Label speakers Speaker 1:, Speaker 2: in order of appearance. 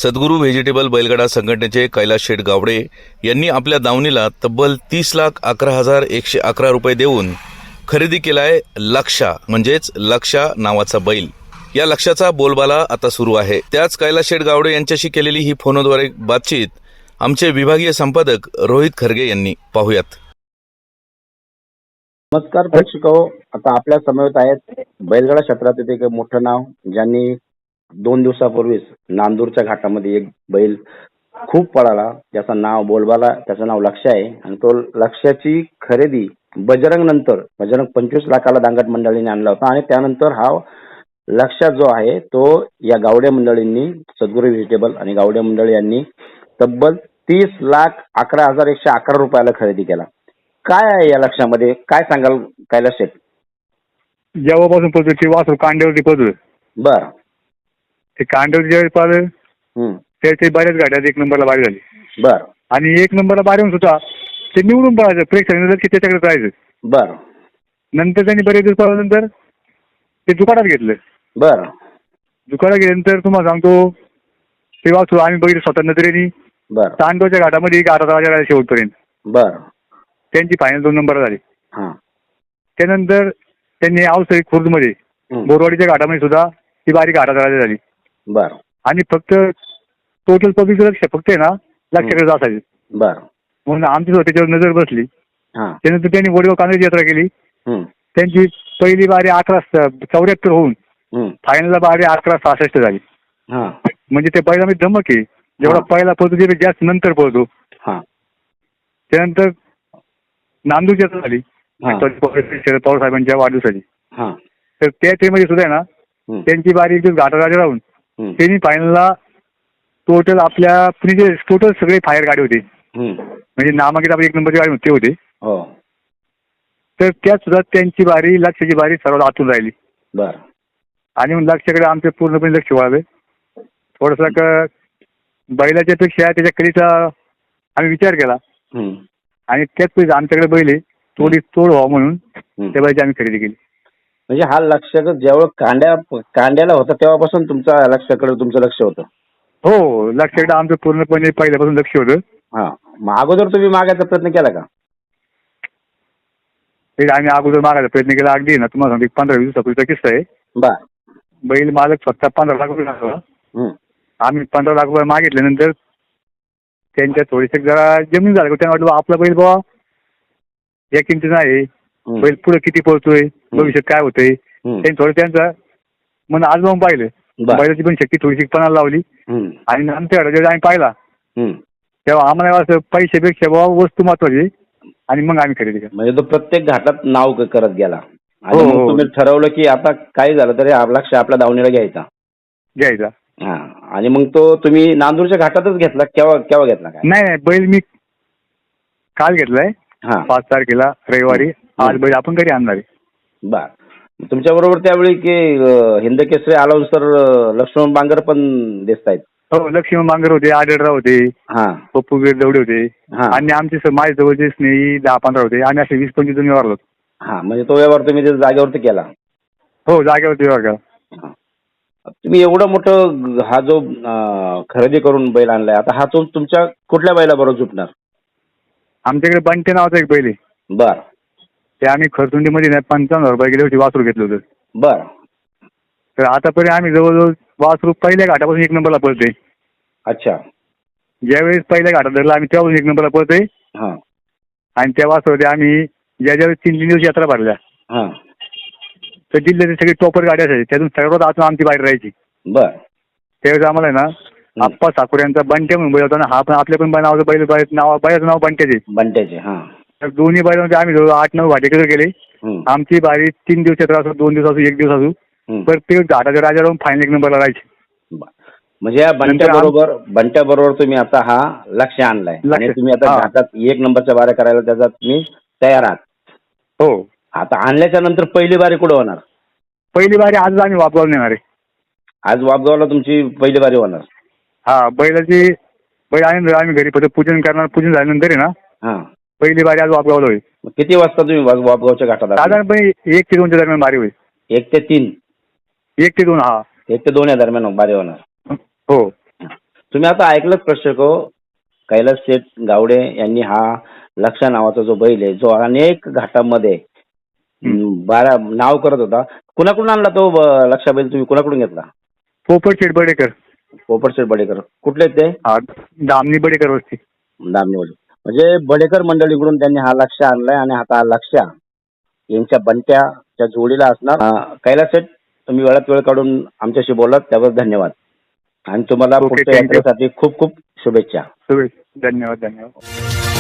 Speaker 1: सद्गुरू व्हेजिटेबल बैलगाडा संघटनेचे कैलास शेठ गावडे यांनी आपल्या दावणीला तब्बल 30,11,111 रुपये देऊन खरेदी केलाय लक्षा म्हणजेच लक्षा नावाचा बैल। या लक्षाचा बोलबाला आता सुरू आहे। त्याच कैलास शेठ गावडे यांच्याशी केलेली ही फोनद्वारे बातचीत आमचे विभागीय संपादक रोहित खरगे यांनी पाहूयात।
Speaker 2: नमस्कार प्रेक्षको, आता आपल्या समवेत आहेत बैलगाडा क्षेत्रातील एक मोठं नाव, ज्यांनी 2 दिवसापूर्वीच नांदूरच्या घाटामध्ये एक बैल खूप पळाला, ज्याचं नाव बोलबाला, त्याचं नाव लक्ष आहे आणि तो लक्ष्याची खरेदी बजरंग 25 लाखाला दांगट मंडळीने आणला होता आणि त्यानंतर हा लक्ष्य जो आहे तो या गावडे मंडळींनी, सद्गुरू व्हेजिटेबल आणि गावडे मंडळी यांनी तब्बल 30,11,111 रुपयाला खरेदी केला। काय आहे या लक्षामध्ये, काय सांगाल कैलास शेठ?
Speaker 3: जेव्हापासून पळतो ते वासरू कांड्यावरती पळतोय।
Speaker 2: बर,
Speaker 3: ते कांड्यावरती ज्यावेळेस पाहिलं त्याची बऱ्याच गाड्यात 1 नंबरला बारी झाली।
Speaker 2: बर,
Speaker 3: आणि 1 नंबरला बारी होऊन सुद्धा ते निवडून पळायचं, प्रेक्षकांनी की त्याच्याकडे जायचं।
Speaker 2: बर,
Speaker 3: नंतर त्यांनी बरेच दिवस पळाल्यानंतर ते दुकानात घेतलं।
Speaker 2: बर,
Speaker 3: दुकानात गेल्यानंतर तुम्हाला सांगतो ते वासरू आम्ही बघितलं स्वतः नजरेने।
Speaker 2: बर,
Speaker 3: तांडवच्या घाटामध्ये 11 वाजेला शेवटपर्यंत
Speaker 2: बर,
Speaker 3: त्यांची फायनल 2 नंबर झाली।
Speaker 2: हा,
Speaker 3: त्यानंतर त्यांनी आवसरी खुर्दमध्ये बोरवाडीच्या घाटामध्ये सुद्धा ती बारी 11 झाली।
Speaker 2: बर,
Speaker 3: आणि फक्त टोटल पब्लिक लक्ष फक्त आहे ना लक्षाकडे असायचे।
Speaker 2: बर,
Speaker 3: म्हणून आमची त्याच्यावर नजर बसली।
Speaker 2: हा,
Speaker 3: त्यानंतर त्यांनी वडगाव कांद्याची यात्रा केली। त्यांची पहिली बारी 1174 होऊन फायनलला बारी 1166 झाली।
Speaker 2: हा,
Speaker 3: म्हणजे ते बैलामध्ये धमक आहे, जेवढा पहिला पळतो ते जास्त नंतर पळतो।
Speaker 2: हा,
Speaker 3: त्यानंतर नांदूरची यात्रा झाली शरद पवार साहेबांच्या वाढदिवसाची।
Speaker 2: हा,
Speaker 3: तर त्या ट्रेमध्ये सुद्धा आहे ना त्यांची बारी एक दिवस घाटाराजा राहून त्यांनी फायनलला टोटल आपल्या टोटल सगळे फायर गाडी होते, म्हणजे नामांकित आपली 1 नंबरची गाडी होती होते।
Speaker 2: हो,
Speaker 3: तर त्यात सुद्धा त्यांची बारी, लक्षाची बारी सर्वात आतून राहिली।
Speaker 2: बर, आणि
Speaker 3: आणि लक्षाकडे आमचे पूर्णपणे लक्ष वळावे। थोडंसं बैलाच्या पेक्षा त्याच्या कलेचा आम्ही विचार केला आणि त्याच पैसे आमच्याकडे बैल आहे, थोडी तोड व्हावं म्हणून त्या बैलाची आम्ही खरेदी केली।
Speaker 2: म्हणजे हा लक्ष जेव्हा कांड्याला होता तेव्हापासून लक्षाकडे तुमचं लक्ष होतं?
Speaker 3: हो, लक्षाकडे आमचं पूर्णपणे पहिल्यापासून लक्ष होतं।
Speaker 2: हा, मग अगोदर तुम्ही मागायचा प्रयत्न केला का?
Speaker 3: ते आम्ही अगोदर मागायचा प्रयत्न केला। अगदी ना तुम्हाला सांगतो 15-20 दिवसापूर्वीचा किस्सा आहे।
Speaker 2: बर,
Speaker 3: बैल मालक स्वतः 15 लाख रुपये लागला। आम्ही 15 लाख रुपये मागितल्यानंतर त्यांच्या थोडीशी जरा जमीन झालं, त्यांना वाटलं आपला बैल बाबा या किमतीचा आहे, बैल पुढे किती पळतोय, भविष्यात काय होतंय, त्यांनी थोडं त्यांचं मन आजमावून पाहिलं। बैलाची पण शक्ती थोडीशी पणाला लावली आणि नंतर जेव्हा आम्ही पाहिला तेव्हा आम्हाला असं पैशापेक्षा बाबा वस्तू महत्वाची, आणि मग आम्ही खरेदी केली।
Speaker 2: म्हणजे तो प्रत्येक घाटात नाव करत गेला आणि
Speaker 3: हो,
Speaker 2: मग
Speaker 3: हो,
Speaker 2: तुम्ही ठरवलं की आता काय झालं तरी हा लक्ष आपल्या दावणीला
Speaker 3: घ्यायचा।
Speaker 2: हा, आणि मग तो तुम्ही नांदूरच्या घाटातच घेतला? केव्हा घेतला? काय
Speaker 3: नाही, बैल मी काल घेतलाय 5 तारखेला रविवारी। आज बैल आपण घरी आणणार आहे।
Speaker 2: बर, तुमच्या बरोबर त्यावेळी की हिंद केसरी अलाउन्सर लक्ष्मण बांगर पण दिसतायत?
Speaker 3: हो, लक्ष्मण बांगर होते, आढळराव होते, पप्पू गिरदवडे होते आणि आमचे माझ्या जवळचे स्नेही 10-15 होते आणि असे 20-25 जण व्यवहार होतो।
Speaker 2: हा, म्हणजे तो व्यवहार तुम्ही जागेवरती केला?
Speaker 3: हो, जागेवरती व्यवहार केला।
Speaker 2: तुम्ही एवढं मोठं हा जो खरेदी करून बैल आणलाय, आता हा तो तुमच्या कुठल्या बैलाबरोबर झुपणार?
Speaker 3: आमच्याकडे बंटे नावाचा एक बैल आहे।
Speaker 2: बर, ते
Speaker 3: आम्ही खरसुंडीमध्ये 55,000 रुपये गेल्या वर्षी वासरू घेतलं होतं।
Speaker 2: बर,
Speaker 3: तर आतापर्यंत आम्ही जवळजवळ वासरू पहिल्या घाटापासून 1 नंबरला पळतोय।
Speaker 2: अच्छा,
Speaker 3: ज्यावेळेस पहिल्या घाटात धरला आम्ही त्यापासून 1 नंबरला पळतोय। आणि त्या वासरूमध्ये आम्ही ज्यावेळेस 3 दिवस यात्रा भरल्या तर जिल्ह्याचे सगळे टॉपर गाड्या असायची, त्यातून सर्वात आतून आमची बाहेर राहायची।
Speaker 2: बर,
Speaker 3: त्यावेळेस आम्हाला आहे ना आप्पा साकुरे यांचा बंट्या म्हणून बैल होता ना, हा पण आपल्या पण नावाचं बैलाचं नाव बंट्याचे। तर दोन्ही बैलांमध्ये आम्ही जवळ 8-9 घाटेकडे गेले। आमची बारी 3 दिवस यात्रा असो, 2 दिवस असो, 1 दिवस असो, प्रत्येक घाटाच्या राजा राहून फायनल 1 नंबरला राहायची।
Speaker 2: म्हणजे या बंट्या बरोबर तुम्ही आता हा लक्ष आणलाय आणि तुम्ही आता घाटात 1 नंबरच्या बाऱ्या करायला त्याचा तुम्ही तयार आहात?
Speaker 3: हो,
Speaker 2: आता आणल्याच्या नंतर पहिली बारी कुठं होणार?
Speaker 3: पहिली बारी आज आम्ही वापगाव नेणार आहे।
Speaker 2: आज वापगावला तुमची पहिली बारी होणार?
Speaker 3: हा, बैल आल्यानंतर आम्ही घरी पूजन करणार। पूजन झाल्यानंतर आहे ना पहिली बारी आज वापगावला होईल।
Speaker 2: किती वाजता तुम्ही वापगावच्या घाटात?
Speaker 3: साधारणपणे 1 ते 2च्या दरम्यान बारी होईल।
Speaker 2: 1 ते 3?
Speaker 3: 1 ते 2, हा,
Speaker 2: 1 ते 2 या दरम्यान बारी होणार।
Speaker 3: हो,
Speaker 2: तुम्ही आता ऐकलंच प्रेक्षक हो, कैलास शेठ गावडे यांनी हा लक्षा नावाचा जो बैल आहे, जो अनेक घाटामध्ये बारा नाव करत होता. कुणाकडून आणला तो लक्षा बैल, तुम्ही कुणाकडून घेतला?
Speaker 3: पोपट शेठ बडेकर.
Speaker 2: पोपट शेठ बडेकर. कुठले आहेत ते?
Speaker 3: हा, दामनी बडेकर वस्ती.
Speaker 2: दामणीवाले. म्हणजे बडेकर मंडळीकडून त्यांनी हा लक्ष आणलाय आणि आता हा लक्ष यांच्या बंट्याच्या जोडीला असणार. कैलास शेठ, तुम्ही वेळात वेळ काढून आमच्याशी बोललात त्याबद्दल धन्यवाद आणि तुम्हाला
Speaker 3: ओके,
Speaker 2: पुढच्या
Speaker 3: थँक्यू.
Speaker 2: यात्रेसाठी खूप खूप शुभेच्छा.
Speaker 3: धन्यवाद.